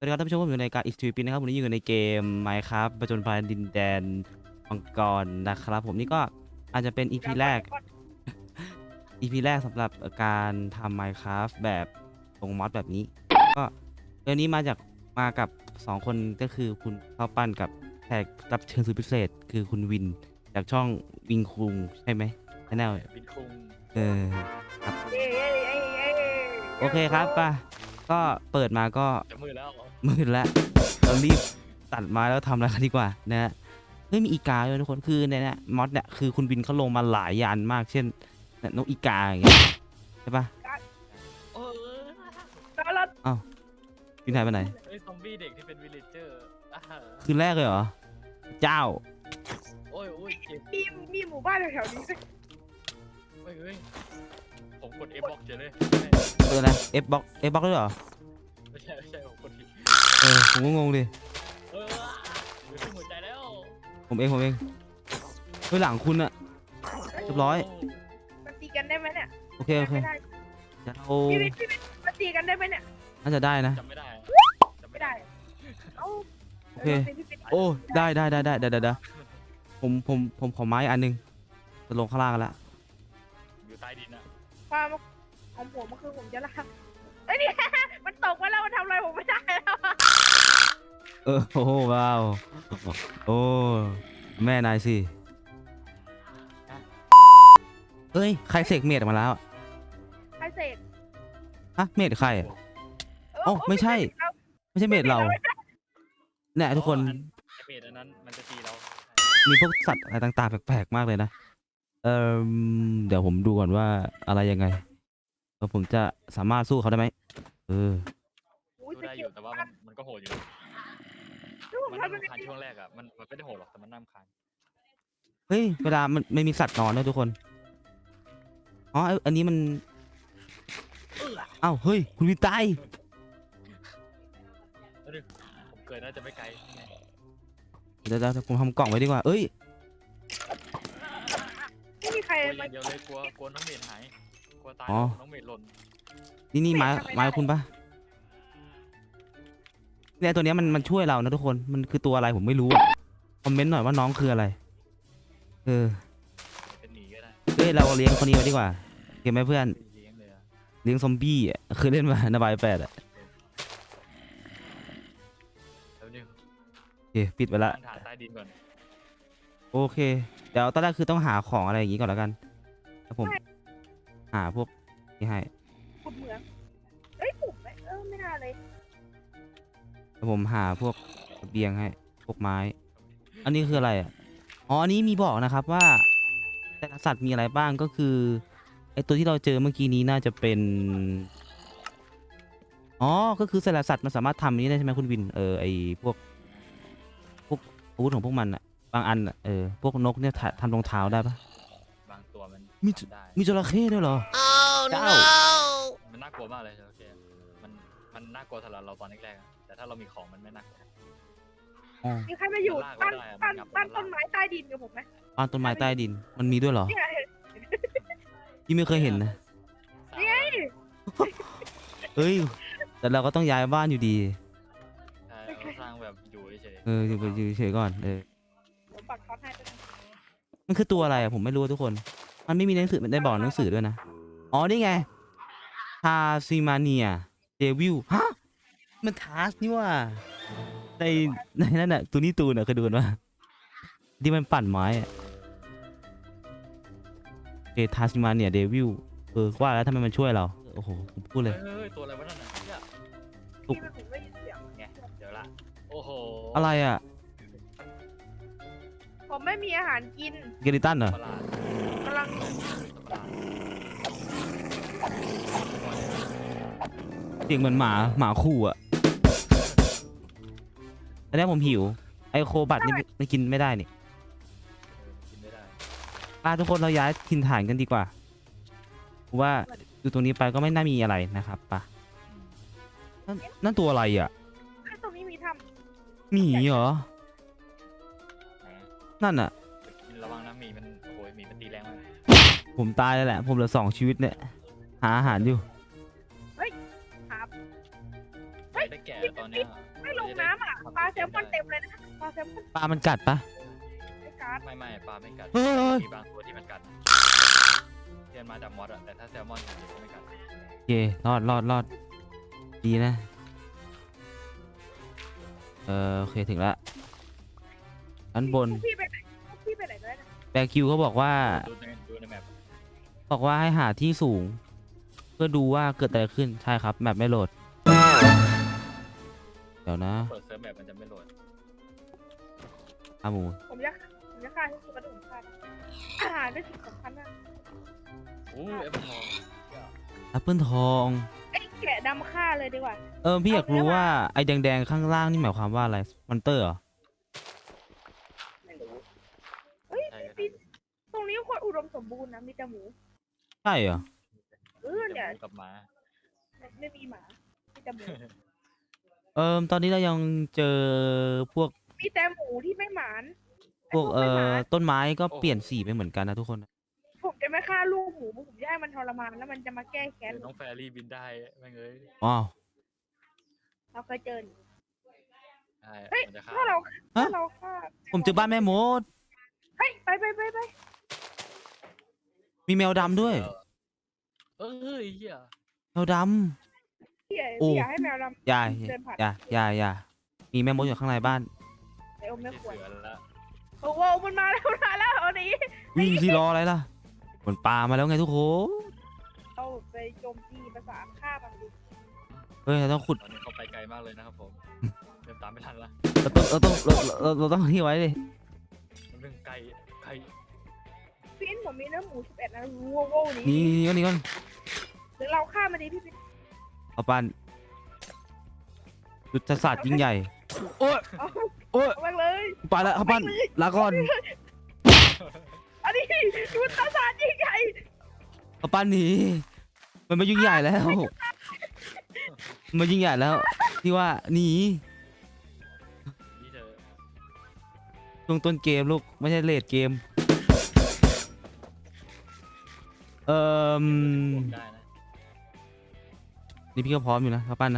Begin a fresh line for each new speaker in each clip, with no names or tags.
วัสดีครับท่านผู้ชมผมอยู่ในการ It's Tweepin นะครับวันนี้อยู่ในเกม Minecraft ผจญภัยดินแดนมังกรนะครับผมนี่ก็อาจจะเป็น EP แรก EP แรกสำหรับการทำ Minecraft แบบลงมอดแบบนี้ก็เรื่องนี้มากับ2คนก็คือคุณข้าวปั้นกับแขกรับเชิญสุดพิเศษคือคุณวินจากช่องวิงคุงใช่ไหมแน่
บินคุง
ครับ
เย้เย้เย้เย้เย้
โอเคครับป่ะก็เปิดมาก็
จะมือแล้วเหรอ
มืดแล้วเรารีบตัดไม้แล้วทำอะไรกันดีกว่านะฮะเฮ้ยมีอีกาด้วยทุกคนคือในเนี่ยมอดเนี่ยคือคุณบินเขาลงมาหลายยานมากเช่นนกอีกาอย่างเงี้ยใช่ปะ
เออ
แล้ว
อ้าวบินหายไปไหน
ไอ้ซอมบี้เด็กที่เป็นวิลเลจเจอร์
คืนแรกเลยเหรอเจ้า
โอ้ยโอ้ยเจ็บ
มีหมู่บ้านแถวๆนี้
เฮ้ยผมกด F บล็อกเฉยเลย
อะไรF boxด้วยเหรอ
ไม่ใช่ผมกดผิด
ผมก็งงดิ
เอออยู่ที่หัวใจแล้ว
ผมเองเฮ้ยหลังคุณอะ เรียบร้อย
มาตีกันได้ไหมเนี่ย
โอเคเดี๋ยวเรา
พี่วิทย์มาตีกันได้ไหมเนี่ย
น่าจะได้นะ
จำไม่ได้
ไม่ได้เอ้า
โอเคโอ้ได้เดี๋ยวผมขอไม้อันนึงจะลงข้างล่างกันละ
อยู่ใต้ดินอะ
ความของผมก็คือผมจะลากเอ้ยนี่ มันตกมาแล้วมันทำอะไรผมไม่ได้แล้ว
โอ้ว้าวโอ้แม่นายสิเอ้ยใครเสกเมดออกมาแล้ว
ใครเสก
ฮะเมดใครอ่ะ โอ้ไม่ใช่ ไม่ใช่เมดเราเนี่ยทุกคน
ไอเมดอันนั้นมันจะตีเรา
มีพวกสัตว์อะไรต่างๆแปลกๆมากเลยนะเดี๋ยวผมดูก่อนว่าอะไรยังไงผมจะสามารถสู้เขาได้ไหม
อุ้ย
สู้ได้อยู่แต่ว่ามันก็โหดอยู่
ผม
มัน
ทำ
น่า
ไม่
รำคาญช่วงแรกอะมันไม่ได้โหดหรอกแต่มันน่ารำคาญ
เฮ้ยเวลามันไม่มีสัตว์นอนด้วยทุกคนอ๋ออันนี้มันอ้าวเฮ้ยคุณวินตาย
ผมเกิดน่าจะไม่ไกล
เดี๋ยวผมทำกล่องไว้ดีกว่าเอ้ย
ไม่มีใคร
กลัวอ
มา
ย่างเดียวเลยกลัวน้องเมดหายกลัวตายน้องเมดหล่น
นี่ไม้คุณปะเนี่ยตัวเนี้ยมันช่วยเรานะทุกคนมันคือตัวอะไรผมไม่รู้อะคอมเมนต์หน่อยว่าน้องคืออะไร
เป็นหมีก็ได้
เฮ้ยเราเลี้ยงคนนี้ไว้ดีกว่าโอเคไหมเพื่อน
เลี้ยงเลยอะ
เลี้ยงซอมบี้อ่ะคือเล่นมานาบาย8อ่ะ
แล้วนี่
โอเคปิดไปละ
ตั้งฐานใต้ดินก่อน
โอเคเดี๋ยวตอนแรกคือต้องหาของอะไรอย่างงี้ก่อนแล้วกันแล้วผมหาพวกนี่ให้
ขุดเหมืองเอ้ยผมไม่น่าเลย
แล้วผมหาพวกเสบียงให้พวกไม้ อันนี้คืออะไรอ่ะอ๋ออันนี้มีบอกนะครับว่าแต่ละสัตว์มีอะไรบ้างก็คือไอตัวที่เราเจอเมื่อกี้นี้น่าจะเป็นอ๋อก็คือแต่ละสัตว์มันสามารถทำนี้ได้ใช่ไหมคุณวินไอพวกอาวุธของพวกมันอ่ะบางอันอ่ะพวกนกเนี่ยทำรองเท้าได้ปะ
บางตัวมัน
มี
ทำได้
มีจระเข้ด้วยเหรอเจ้า
มันน่ากลัวมากเลยโอเคมันน่ากลัวสำหรับเราตอนแรกๆอะแต่ถ้าเรามีของมันไม่น่ากลัว
อ๋อ
มีใครมาอยู่
ลาก
บ้าน
ได้อะ
บ้าน
งับ
บ้าน
ลาก
ต้นไม้ใต้ดินกับผมไหม
บ้านต้นไม้ใต้ดินมันมีด้วยเหรอ
เนี่ย
พี่ไม่เคยเห็นนะ
นี่ไง
เฮ้ยแต่เราก็ต้องย้ายบ้านอยู่ดี
ใช่เราสร้างแบบอยู่เฉย
อยู่เฉยๆก่อน
ผมปักท็อตให้ไปนะ
มันคือตัวอะไรอ่ะผมไม่รู้ทุกคน มันไม่มีหนังสือมันได้บอกหนังสือด้วยนะอ๋อนี่ไงทาซิมาเนียเดวิลฮะมันทาสนี่ว่าในนั่นน่ะตัวนี้ตูนอ่ะเคยดูกันว่าที่มันปั่นไม้อ่ะทาซิมาเนียเดวิลว่าแล้วทำไมมันช่วยเราโอ้โหผมพูดเลย
เฮ้ยตัวอะไรวะนั่นน่ะเนี่ย
ที่มันผมไม่ยินเสียง
ไงเดี๋ยวละโอ้โห
อะไรอ่ะ
ผมไม่มีอาหารกิน
เกลิตันเหรอ
ประหลาด
กำลัง
ประหลาด
เสียงเหมือนหมาคู่อ่ะตอนนี้ผมหิวไอโคบัตนี่ไม่กินไม่ได้นี่
กินไม่ได้
ป้าทุกคนเราย้ายถิ่นฐานกันดีกว่าเพราะว่าอยู่ตรงนี้ไปก็ไม่น่ามีอะไรนะครับป่ะ
อืม
นั่นตัวอะไรอ่ะ
แค่ตรงนี้มีถ้
หมีเหรอ
ไหน
นั่นอ่ะ
กินระวังนะหมีมันโอ้ยหมีมันตีแรงมาก
ผมตายแล้วแหละผมเหลือ2 ชีวิตเนี่ยหาอาหารอยู่
ำครับ
ไม่ได้แก่ตอนอนเนี้ย
ไม่ลงน้ำอ่ะปลาแซลมอนเต็มเลยนะปลาแซลมอน
ปลามันกัดปะ
ไอ้การ์ด
ไม่ปลาไม่กัด
เฮ้ย
มีบางตัวที่มันกัดเทียนมาจากมอสอะแต่ถ้าแซลมอนมันจะไม่กัด
โอเครอดดีนะโอเคถึงละอันบน
พวกพี่ไปไหนพวกพี่ไปไหนด้วยนะ
แบคิวเขาบอกว่า
ดูในแมป
บอกว่าให้หาที่สูง เพื่อดูว่าเกิดอะไรขึ้นใช่ครับแมปไม่โหลด เดี๋ยวนะ
เปิดเซิร์ฟแมปมันจะไม่โหลด
อาหมู
ผมจะฆ่าที่สุดกระดูกฆ่าอาหารเป็นสิ่งสำคัญมาก
โอ้เอฟมอง
แอปเปิลทอง
ไอ้แกะดำฆ่าเลยดีกว่า
พี่อยากรู้ว่าไอ้แดงๆข้างล่างนี่หมายความว่าอะไรมอนเตอร์เหรอ
ไม่รู้เฮ้ย
ใช่
พี่ตรงนี้โคตรอุดมสมบูรณ์นะมีแต่หมู
ใช่เหรอ
เนี่ย
กับหมา
ไม่มีหมามีแต่หมู
ตอนนี้เรายังเจอพวก
มีแต่หมูที่ไม่หมาน
พวก
ไไม่หมาน
ต้นไม้ก็เปลี่ยนสีไปเหมือนกันนะทุกคน
ผมจะไม่ฆ่าลูกหมูผมจะให้มันทรมานแล้วมันจะมาแก้แค้น
เดี๋ยวน้องแฟรี่บินได้แม่งเอ้ย
ว้าว
เราเคยเจอนี่
ใช่
เฮ้ย
มันจะฆ่า
ถ้าเราฆ่า
ผมเจอบ้านแม่มด
เฮ้ยไป
มีแมวดำด้วย
เอ้ยเหี้ย
แมวด
พี่
โอ้
อยากให้แมวดำ
ำอย่า
เดินผ่าน
อย่ามีแม่มดอยู่ข้างในบ้าน
ไอ้อมไม่
ที่
ควร
เสือแล้ว
โอ้โหมันมาแล้วเอาหนี
วิ่งที่รออะไรล่ะเหมือนปลามาแล้วไงทุกคน
เอาไปโจมตีภาษาฆ่ามันดิ
เฮ้ยเราต้องขุด
ตอนนี้เขาไปไกลมากเลยนะครับผมเดินตามไม่ทันละ
เราต้องที่ไว้เลย
มันเรื่องไกล
ฟินผมมีเนื้อหมู11นะว้าวนี่
นี่ก่อน
หรือเราฆ่ามันดีพี่ฟิน
เอาปันยุทธศาสตร์ยิ่งใหญ่ โอ้ย
เอา
โอ้ย
เอาไปเลย
ไปแล้วเอาปันลาก่อน
อันนี้ดูตาสารยิ่งใหญ่
เอาปันหนีมันไม่ยิ่งใหญ่แล้วมันยิ่งใหญ่แล้วที่ว่าหนี
นี่เธอ
ช่วงต้นเกมลูกไม่ใช่เลดเกม
บวกได้นะ
นี่พี่ก็พร้อมอยู่นะเอาปั้นนะ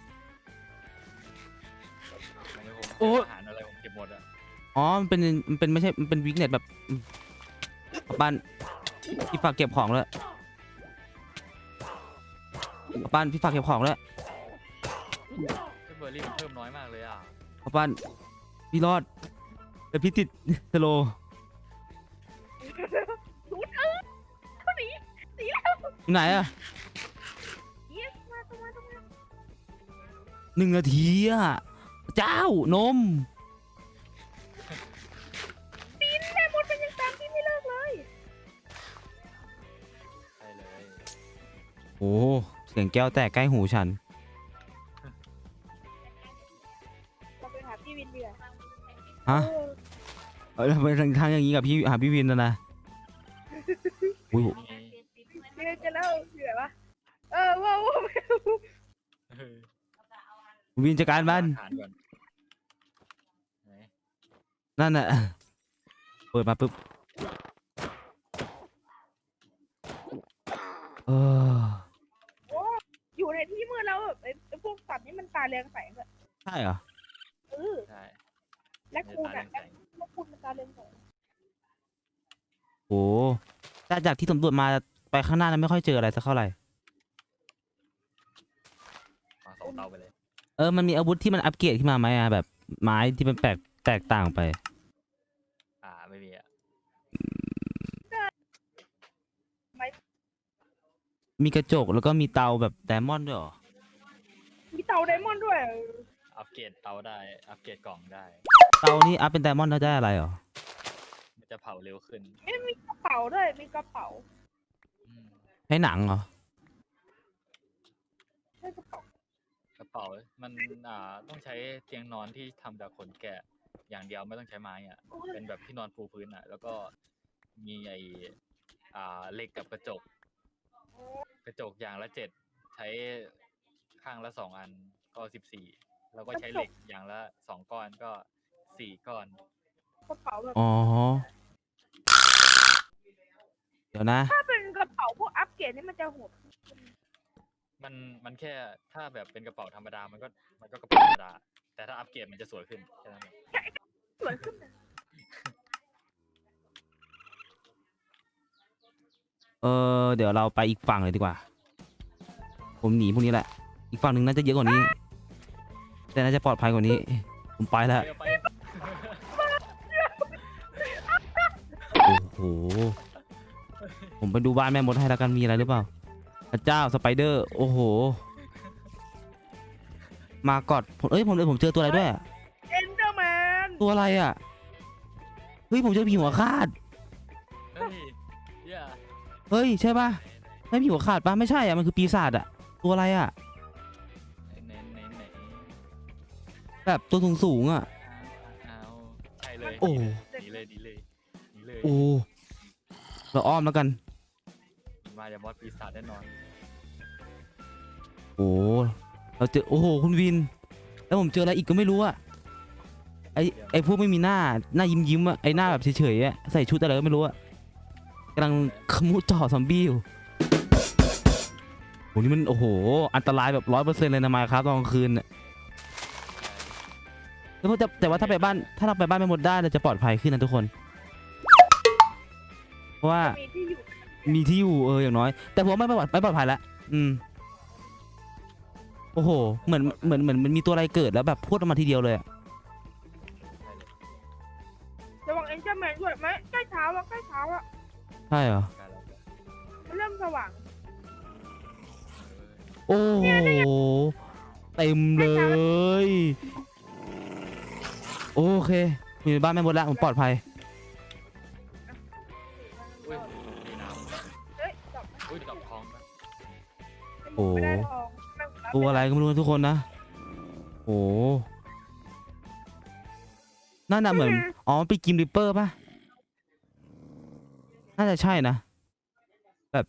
ไม่ผม
โอ้ย
อาหารอะไรผมเก็บหมดอะ
อ๋อมันเป็นไม่ใช่มันเป็นวิกเน็ตแบบเอาปั้นพี่ฝากเก็บของเลยเอาปั้นพี่ฝากเก็บของเลย
เบอร์รี่มันเพิ่มน้อยมากเลยอ่ะ
เอาปั้นพี่รอดแต่พี่ติดสโลว์
ศูนย์เขาหนีแล้ว
อยู่ไหนอะ
เยสมาตรงมา
1 นาทีอะเจ้านม
ฟินแม่มดเป็นยังตามที่ไม่เลิกเลย
ใช่เลย
โอ้เสียงแก้วแตกใกล้หูฉัน
เราไปหาพี่วินเดีย
ฮะทำไมทางอย่างนี้กับพี่หาพี่วินนะอุ้ย
นี่
เจอแล้วเหนื่อยวะว้าว
เออ
วินจัดการบ้าน
หารก่อนไหน
นั่นน่ะเปิดมาปุ๊บเออ
อยู่ในที่มืดแล้วแบบไอ้พวกสัตว์นี่มันตาเรืองแสงอะ
ใช่เหรอ
ใช่
และคูณ
ตา
อะ
เรืองแสง
และคูณมันตาเรืองแสง
โอ้แต่จากที่สำรวจมาไปข้างหน้านั้นไม่ค่อยเจออะไรสักเท่าไหร่
มาสองเตาไปเลย
มันมีอาวุธที่มันอัปเกรดขึ้นมาไหมอะแบบไม้ที่มันแตกต่างไป
ไม่มีอ่ะ
มีกระจกแล้วก็มีเตาแบบไดมอนด์ด้วยเหรอ
มีเต่าไดมอนด์ด้วย
อัปเกรดเตาได้ อัปเกรดกล่องได้
เตานี่อัพเป็นไดมอนด์แล้วได้อะไรเหรอ
มันจะเผาเร็วขึ้น
มีกระเป๋าด้วยมีกระเป๋า
อืม
ให้หนังเหรอ
ใช่กระเป๋าก
ระเป๋า มันต้องใช้เตียงนอนที่ทำจากขนแกะ อย่างเดียวไม่ต้องใช้ไม้อ่ะ เป็นแบบที่นอนปูพื้นอ่ะ แล้วก็มีเหล็กกับกระจก กระจกอย่างละ7 ใช้ข้างละ2 อันก็14 แล้วก็ใช้เหล็กอย่างละ2 ก้อนก็4 ก้อน
กระเป๋าแบบ
อ๋อ เดี๋ยวนะ
ถ้าเป็นกระเป๋าพวกอัปเกรดนี่มันจะโหด
มันมันแค่ถ้าแบบเป็นกระเป๋าธรรมดามันก็กระเป๋าธรรมดา แต่ถ้าอัปเกรดมันจะสวยขึ้นแค่นั้นเอง
สวยขึ้นนะ
เดี๋ยวเราไปอีกฝั่งเลยดีกว่า ผมหนีพวกนี้แหละ อีกฝั่งหนึ่งน่าจะเยอะกว่านี้ แต่น่าจะปลอดภัยกว่านี้ ผมไปแล้ว
ไป
โอ้โห ผมไปดูบ้านแม่มดให้แล้วกันมีอะไรหรือเปล่า พระเจ้าสไปเดอร์ โอ้โห มากอดผมเจอตัวอะไรด้วยอะ
เอ็นเดอร์แมน
ตัวอะไรอ่ะ เฮ้ยผมเจอผีหัวขาด
เฮ้ยอย่า
เฮ้ยใช่ป่ะไม่ผีหัวขาดป่ะไม่ใช่อ่ะมันคือปีศาจอ่ะ ตัวอะไรอ่ะ
ไหน
แบบตัวสูงอ่ะ
เอาใช่เลย
โอ้
หนีเลยหนีเลยหนีเลย
โอ้ เราอ้อมแล้วกัน
มาจากมอสปีศาจแน่นอน
โอ้เราเจอโอ้โหคุณวิน แล้วผมเจออะไรอีกก็ไม่รู้อะไอพวกไม่มีหน้ายิ้มอะไอหน้าแบบเฉยๆอะใส่ชุดอะไรก็ไม่รู้อะกำลังขมุดจ่อซอมบี้อยู่โหนี่มันโอ้โหอันตรายแบบ100%เลยนะมายครับตอนกลางคืนอะแต่ว่าถ้าไปบ้านถ้าเราไปบ้านไม่หมดได้เราจะปลอดภัยขึ้นนะทุกคน เพราะว่า
มีที่อยู่
มีที่อยู่อย่างน้อย แต่ผมว่าไม่ปลอดภัยละโอ้โหเหมือนมันมีตัวอะไรเกิดแล้วแบบพูดออกมาทีเดียวเลยอะ
ระวังเอ็นเดอร์แมนด้วยไหมใกล้เช้าอะใกล้เช้าอะ
ใช่เหรอ
มันเริ่มสว่าง
โอ้โหเต็มเลย โอเคอยู่ในบ้านแม่มดแล้วผมปลอดภัย
อุ้ยมีน้
เอ้ยดอก
ำอุ้ยดอกทองนะ
โอ้
ไม่ได้ทองนั่งรับ
ตัวอะไรก็ไม่รู้นะทุกคนนะโอ้น่าจะเหมือนอ๋อเป็นกิมริปเปอร์ป่ะน่าจะใช่นะแบบ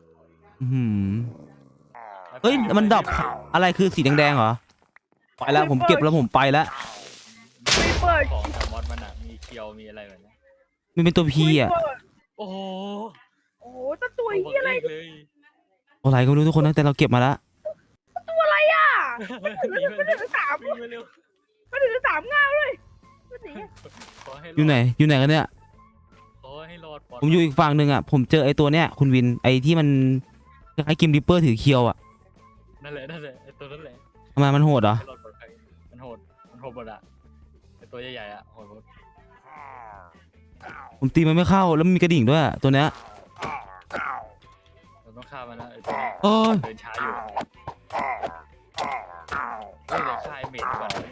เฮ้ยมันดรอปอะไรคือสีแดงๆเหรอไปแล้วผมเก็บแล้วผมไปแล้ว
ไม่เปิด
ของแต่มอสมันอะมีเคียวมีอะไรแบบนี้
มันเป็นตัวพีอ่ะ
โอ้โห
โอ้โหตัวเหี้ยอะไร
เลย
อะไรก็ไม่รู้ทุกคนนะแต่เราเก็บมาแล้ว
ตัวอะไรอ่ะ
หนีมา
มัน
เร็ว
ถือสาม
หนีมาเร็ว
มันถือสามเงาเลยมันหนี
ขอให้รอด
อยู่ไหนกันเนี่ย
ขอให้รอดปลอด
ผมอยู่อีกฝั่งหนึ่งอ่ะผมเจอไอ้ตัวเนี้ยคุณวินไอ้ที่มันคล้ายๆกิมริปเปอร์ถือเคียวอ่ะ
นั่นแหละไอ้ตัวนั่นแหละ
ทำไมมันโหดเหรอ
ให้รอดปลอดภัยมันโหดหมดอะไอ้ตัวใหญ่ๆอะโหดหมด
ผมตีมันไม่เข้าแล้วมันมีกระดิ่งด้วยอะตัวเนี้ย
เราต้องฆ่ามันนะไอ้ตัวนี้
โอ้ย
เดินช้าอยู่เฮ้ยเดี๋ยวฆ่าไอ้เมดก่อนนะเนี่ย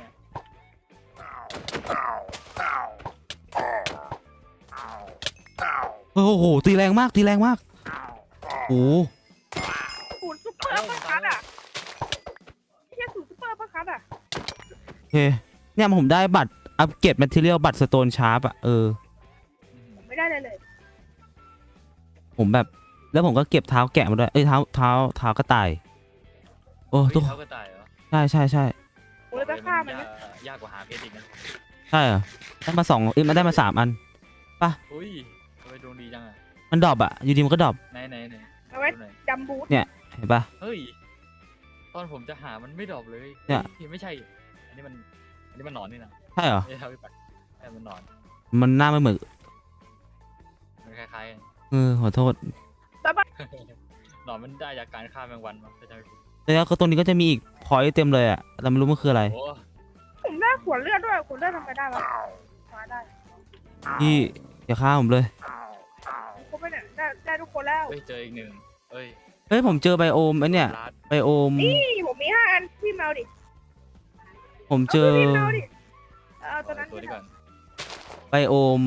โอ้โหตีแรงมากโอ้โห
ศูนย์ซุปเปอร์พัคัดอ่ะเฮียศูนย์ซุปเปอร์พัคัดอ่ะ
โอเคเนี่ยผมได้บัตรอัปเกรดแมทเทียลบัตรสโตนชาร์ปอ่ะ
ผมไม่ได้เลยเลย
ผมแบบแล้วผมก็เก็บเท้าแกะมาด้วยเท้ากระต่ายโอ้
เฮ้ย
ทุก
เขาก็ตายเหรอ
ใช่
ผมเลยจะฆ่ามันนะ
ยากกว่าหาเพชรอีกนะ
ใช่เหรอได้มามันได้มา3 อัน
อุ้ยทำไมดวงดีจังอะ
มันดรอปอ่ะอยู่ดีมันก็ดรอป
ไหน
เอาไว้
ดูหน่อย
จำบูท
เห็นปะ
เฮ้ยตอนผมจะหามันไม่ดรอปเลย
เนี่ย
ฮ้ไม่ใช่อันนี้มันหนอนนี่นะ
ใช่เหรอ
ไม่ใช่เท่าพี่ปัดแต่มันหนอน
มันหน้าไม่เหมือน
มันคล้ายๆกัน
ขอโทษ
หนอนมันได้จากการฆ่าแมงวันมั้งไม่ใช่
แล้วก็ตรงนี้ก็จะมีอีกพอยต์เต็มเลยอ่ะแต่ไม่รู้มันคืออะไร
โอ้
ผมได้ขวดเลือดด้วยขวดเลือดทำไปได้ปะมาได้
พี่อย่าฆ่าผมเลย
ครบไปเนี่ยได้ทุกคนแล้ว
เฮ้ยเจออีกหนึ่งเฮ้ย
เฮ้ยผมเจอไบโอมไอเนี่ย
ลาด
ไบโอม
นี่ผมมี5 อันพี่เมาดิ
ผมเจอ
พี่เมาดิเอาตัวนั้น
ตัวนี้ก่อน
ไบโอม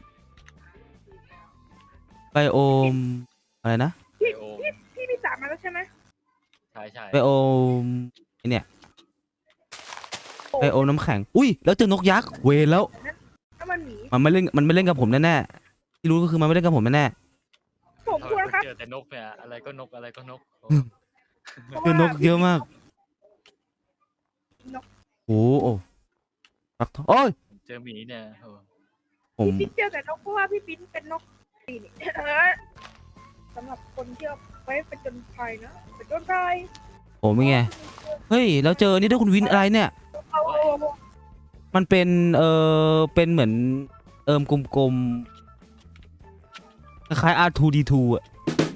อะไรนะ
ไบโอม
พี่มี3 มาแล้วใช่ไหม
ใช่
ไบโอมไอเนี่ยไบโอมน้ำแข็งอุ้ยแล้วเจอนกยักษ์เวรแล้ว
ถ้ามันหนี
มันไม่เล่นกับผมแน่ๆที่รู้ก็คือมันไม่เล่นกับผมแน่
ผมควรครับ
เจอแต่นกเนี่ยอะไรก็นกโอ้
ๆเจอนกเยอะมาก
นก
โอ้โหปักทองโอ้ย
เจอหมีเนี่ยโอ้
ผม
พี่ปิ๊นเจอแต่นกเพราะว่าพี่ปิ๊นเป็นนกปีนี่สำหรับคนที่เอาไว้เป็นจนภัยนะเป็นจนภัย
โอ้ไม่ไงเฮ้ยแล้วเจอนี่ด้วยคุณวินอะไรเนี่ย
เอา
มันเป็นเป็นเหมือนกลมๆคล้ายๆ R2D2 อ่ะ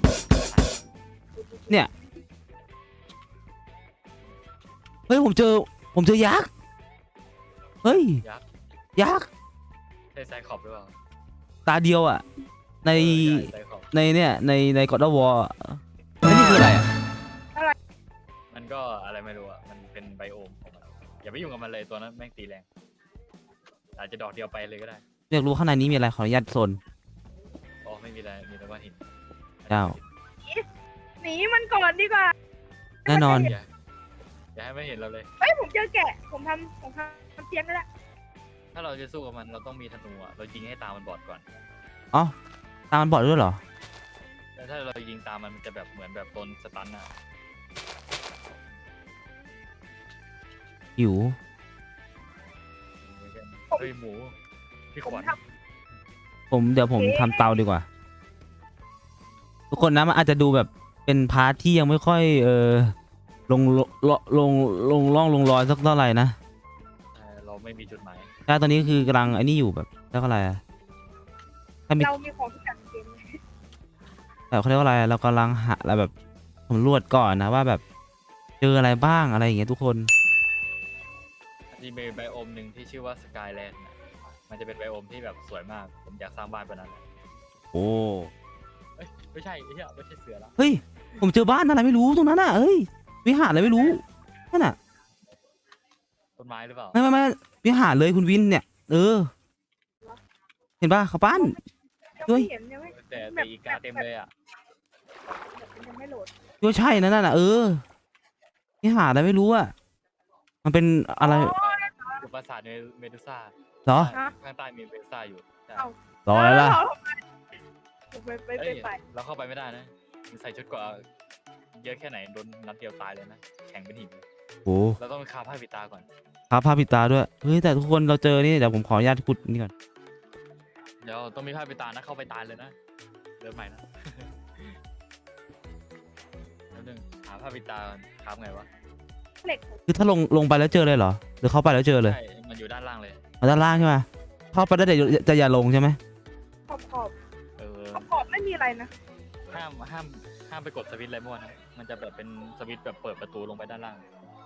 เนี่ยเฮ้ยผมเจอยักษ์เฮ้ย
ยักษ์
ยักษ์
ใช่ไซคอบหรือเปล่า
ตาเดียวอ่ะใน
ไซคอบ
เนี่ยในGod of War อะแล้วนี่คืออะไรอ่ะ
มันก็อะไรไม่รู้อ่ะมันเป็นไบโอมของมันอย่าไปยุ่งกับมันเลยตัวนั้นแม่งตีแรงอาจจะดอกเดียวไปเลยก็ได้
อยากรู้ข้างในนี้มีอะไรขออนุญาตโซน
อ๋อไม่มีอะไรมีแต่ว่าหิน
เจ้า
หนีมันก่อนดีกว่า
แน่นอน
อย่าให้ไม่เห็นเราเลย
เฮ้ยผมเจอแกะผมทำเตียงแล้ว
ถ้าเราจะสู้กับมันเราต้องมีธนูอ่ะเรายิงให้ตามันบอดก่อน
อ๋อตามันบอดด้วยเหรอ
แล้วถ้าเรายิงตามมันจะแบบเหมือนแบบโดนสตันอ่ะ
หิว
เฮ้ยหมูพี่ขวัญ
เดี๋ยวผมทำเตาดีกว่า ทุกคนนะมันอาจจะดูแบบเป็นพาร์ทที่ยังไม่ค่อยลงร่องลงรอยสักเท่าไหร่นะ
เราไม่มีจุดหมาย
ใช่ตอนนี้คือกำลังไอ้นี่อยู่แบบเรียกว่าอะไรอะถ้ามี
เรามีของทุกอย่างเต็ม
แบบเขาเรียกว่าอะไรเรากำลังหาอะไรแบบสำรวจก่อนนะว่าแบบเจออะไรบ้างอะไรอย่างเงี้ยทุกคน
จะมีไบโอมหนึ่งที่ชื่อว่าสกายแลนด์มันจะเป็นไบโอมที่แบบสวยมากผมอยากสร้างบ้านบนนั้น
โอ้
เอ้ยไม่ใช่ไม่ใช่เสือละ
เฮ้ยผมเจอบ้านอะไรไม่รู้ตรงนั้นอ่ะเอ้ยวิหารอะไรไม่รู้นั่นน่ะ
ต้นไม้หรือเปล่า
ไม่วิหารเลยคุณวินเนี่ยเห็นป่ะเขาปั้น
ยังไม่เห็นยังไม่
แต่อีกาเต็มเลยอ่ะ
ยังไม่โหลด
ก็ใช่นั่นน่ะวิหารอะไรไม่รู้อ่ะมันเป็นอะไร
คือปราสาทเมดูซ่า
เหรอ
ข้างใต้มีเมดูซ่าอยู่ใช่
รอแล้วล่ะ
ไป
เอ้ยเราเข้าไปไม่ได้นะใส่ชุดเกราะเยอะแค่ไหนโดนนัดเดียวตายเลยนะแข็งเป็นหิน
โอ้
เราต้องคาผ้าปิดตาก่อน
ครับผ้าปิดตาด้วยเฮ้ยแต่ทุกคนเราเจอนี่เดี๋ยวผมขออนุญาตขุดนี่ก่อน
เดี๋ยวต้องมีผ้าปิดตานะเข้าไปตายเลยนะเริ่มใหม่นะ แล้วนึงหาผ้าปิดตาครับไงวะ
เหล็ก
คือถ้าลงไปแล้วเจอเลยเหรอหรือเข้าไปแล้วเจอเลย
ใช่มันอยู่ด้านล่างเลย
ด้านล่างใช่ไหมเข้าไปได้แต่จะอย่าลงใช่ไหม
ขอบ
เออ
ขอบไม่มีอะไรนะ
ห้ามไปกดสวิตช์อะไรมั่วนะมันจะแบบเป็นสวิตช์แบบเปิดประตูลงไปด้านล่าง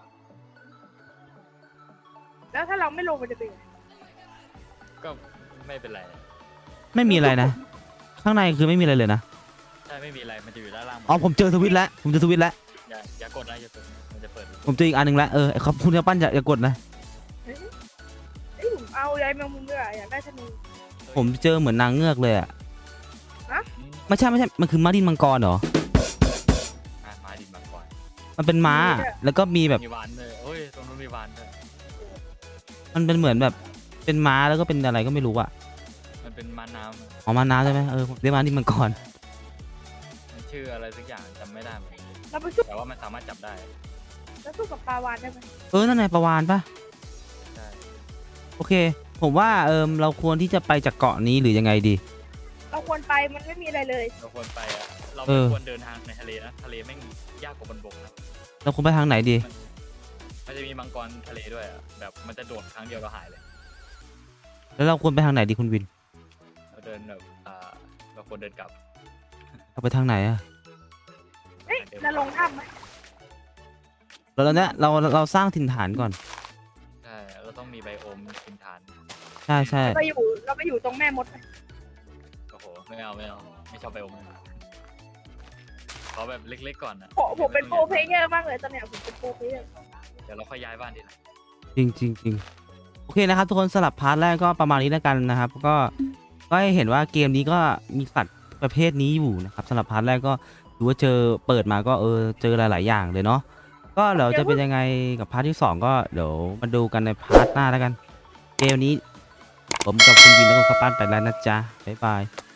แล้วถ้าเราไม่ลงมันจะเป็นยังไง
ก็ไม่เป็นไร
ไม่มีอะไรนะ ข้างในคือไม่มีอะไรเลยนะ
ใช่ไม่มีอะไรมันจะอยู่ด้านล่างหมด
อ๋อผมเจอสวิตช์แล้วผมเจอสวิตช์แล้ว
อย่ากดนะอย่ากดนะมันจะเปิด
ผมเจออีกอันหนึ่งแล้วไอ้ครับคุณจะปั้นอย่ากดนะ
เอ้ยผมเอายายแมงมุมด้วยอยากได้ธนู
ผมเจอเหมือนนางเงือกเลยอ่ะ
อืม
ไม่ใช่มันคือม้าดินมังกรเหรอ
มาดินมาก่อน
มันเป็นม้าแล้วก็มีแบบ
มีวานเลยโอ้ยตรงนู้นมีวานด้วย
มันเป็นเหมือนแบบเป็นม้าแล้วก็เป็นอะไรก็ไม่รู้อ่ะ
มันเป็นม้าน้ำอะ
อ๋อม้าน้ำใช่ไหมผมเรียกม้าดินมังกร
มันชื่ออะไรสักอย่างจำไม่ได้เหมือนกัน
เราไปสู้
แต่ว่ามันสามารถจับได้
แล้วสู้กับปลาวานได้ไหม
นั่นไงประวานปะ
ใช่
โอเค ผมว่าเราควรที่จะไปจากเกาะนี้หรือยังไงดี
เราควรไปมันไม่มีอะไรเลย
เราควรไปอ่ะเรา
เอ
ไม่
อ
ควรเดินทางในทะเลนะทะเลแม่งยากกว่าบนบกนะ
เราควรไปทางไหนดี
มันจะมีมังกรทะเลด้วยอ่ะแบบมันจะโดดครั้งเดียวก็หายเลย
แล้วเราควรไปทางไหนดีคุณวิน
เราเดินแบบเราควรเดินกลับ
เราไปทางไหนอะ
เอ้ยเราลงถ้ำไหม
แล้วเนี่ยเราสร้างถิ่นฐานก่อน
ใช่เราต้องมีไบโอมกินฐาน
ใช่ใช่
เราไปอยู่ตรงแม่มดไหม
โอ้โหไม่เอาไม่ชอบไบโอมเลยขอแบบเล็กๆก่อนนะ
ผมเป็นโปรเพลเยอร์มากเลยตอนเนี้ยผมเป็นโปรเพลเยอร์
เดี๋ยวเราค่อยย้ายบ้านทีหลัง
จริงโอเคนะครับทุกคนสลับพาร์ทแรกก็ประมาณนี้แล้วกันนะครับ ก็ให้เห็นว่าเกมนี้ก็มีสัตว์ประเภทนี้อยู่นะครับสำหรับพาร์ทแรกก็ดูว่าเปิดมาก็เจอหลายๆอย่างเลยเนาะก็เดี๋ยวจะเป็นยังไงกับพาร์ทที่ 2 ก็เดี๋ยวมาดูกันในพาร์ทหน้าแล้วกันเกมนี้ผมกับคุณวินและคุณข้าวปั้นไปแล้วนะจ๊ะบ๊ายบาย